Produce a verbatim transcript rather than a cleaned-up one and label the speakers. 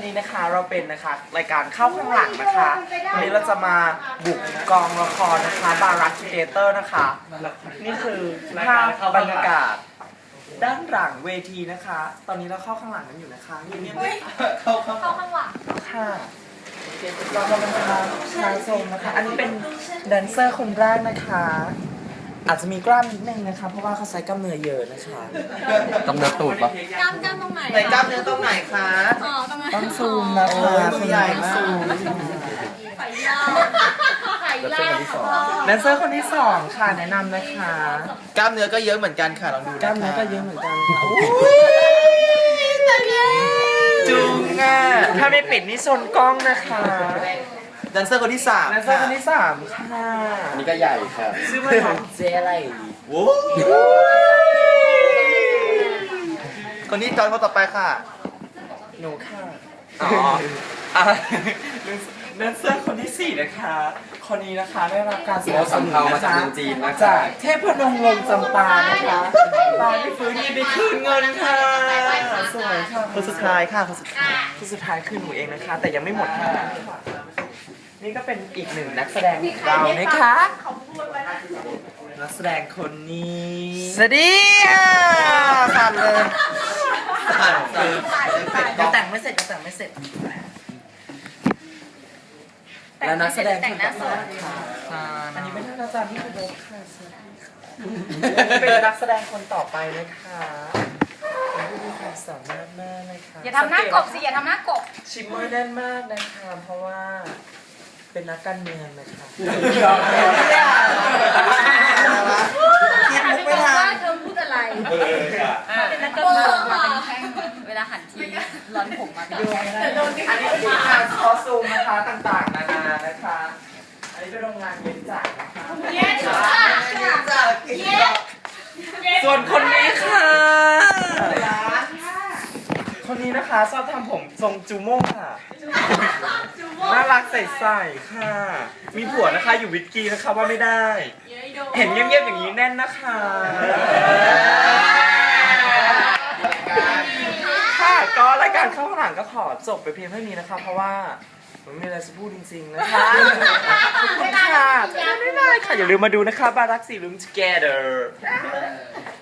Speaker 1: นี้นะคะเราเป็นนะคะรายการเข้าข้างหลังนะคะวันนี้เราจะมาบุกกองละครนะคะบารักคิเตเตอร์นะคะนี่คือภาพบรรยากาศด้านหลังเวทีนะคะ ตอนนี้เราเข้าข้างหลังกันอยู่นะคะเงียบๆเข้าข้าง
Speaker 2: เข้าข้างหลัง
Speaker 1: ค่ะเรากำลังทำชายทรงนะคะ อันนี้เป็นแดนเซอร์คนแรกนะคะ อาจจะมีกล้ามนิดนึงนะคะ เพราะว่าเขาใช้กล้ามเนื้อเยอะนะคะ
Speaker 3: กำเนิดตูดปะ
Speaker 2: กล้ามกล้ามตรงไหน
Speaker 1: ไหนกล้ามเนื้อตรงไหนคะ
Speaker 2: อ๋อตรงไหน
Speaker 1: ต้องซูมนะคะคุณใหญ่มาก
Speaker 2: ไข่ยาวไข่ยาวค่ะ
Speaker 1: แดนเซอร์คนที่สองค่ะแนะนำนะคะ
Speaker 4: กล้ามเนื้อก็เยอะเหมือนกันค่ะลองดู
Speaker 1: กล้าม
Speaker 4: นะ
Speaker 1: เนื้อ
Speaker 4: คะ
Speaker 1: ก็เยอะเหมือนกันค่ะจุงอ่ะถ้าไม่ปิดนี่ชนกล้องนะคะ
Speaker 4: แดนเซอร์คนที่สาม
Speaker 1: แดนเซอร์คนที่สามค่ะ
Speaker 3: อันนี้ก็ใหญ่ค่ะ
Speaker 1: ชื่อว่าน้องเจอะไร
Speaker 4: โอ้คนนี้จอยคนต่อไปค่ะ
Speaker 1: หนูค่ะอ๋ออ่ะแดนเซอร์คนที่สี่นะคะ คนนี้นะคะได้รับการสนับสนุน
Speaker 3: มาจากเมืองจีนนะคะ
Speaker 1: จากเทพนมลงจำปานะคะตายไม่ฟื้นยินดีคืนเงินค่ะสวยค่ะ
Speaker 4: คนสุดท้ายค่ะคนสุดท้าย
Speaker 1: ที่สุดท้ายคือหนูเองนะคะ แต่ยังไม่หมดค่ะนี่ก็เป็นอีกหนึ่งนักแสดงของเรานะคะนักแสดงคนนี้สวัสดีค่ะสั่นเลยยังแต่งไม่เสร็จยังแต่งไม่เสร็จแล้วนักแสดงคนต่อไปค่ะอันนี้เป็นท่านอาจารย์ที่เคารพค่ะสวัสดีค่ะเป็นนักแสดงคนต่อไปนะคะเป็นผู้มีความสามารถมากนะคะ
Speaker 2: อย่าทำหน้ากบสิอย่าทำหน้ากบ
Speaker 1: ชิมเมอร์แน่นมากนะคะเพราะว่าเป็นนักการเมืองนะคะ
Speaker 4: คิดมุกไม่ทัน
Speaker 2: เธอพูดอะไรเป็นนักการเมืองมาเป็นแข้งเวลาหันทีร้อนผมมาเป็นแข้ง
Speaker 1: อันนี้คือการคอสตูมนะคะต่างๆนานานะคะ อันนี้เป็นโรงงานเย็นจัดนะคะ
Speaker 2: เย็นจ้ะเย็น
Speaker 1: ส่วนคนนี้ค่ะ คนนี้นะคะชอบทำผมทรงจูโม่ค่ะ น่ารักใสๆค่ะ มีผัวนะคะอยู่วิทกีนะคะว่าไม่ได้ เห็นเงียบๆอย่างนี้แน่นนะคะค่ะก็รายการเข้าข้างหลังก็ขอจบไปเพียงเท่านี้นะคะ เพราะว่าผมไม่มีอะไรจะพูดจริงๆนะคะขอบคุณค่ะบ๊ายบายค่ะอย่าลืมมาดูนะคะบารักสี่ลุม together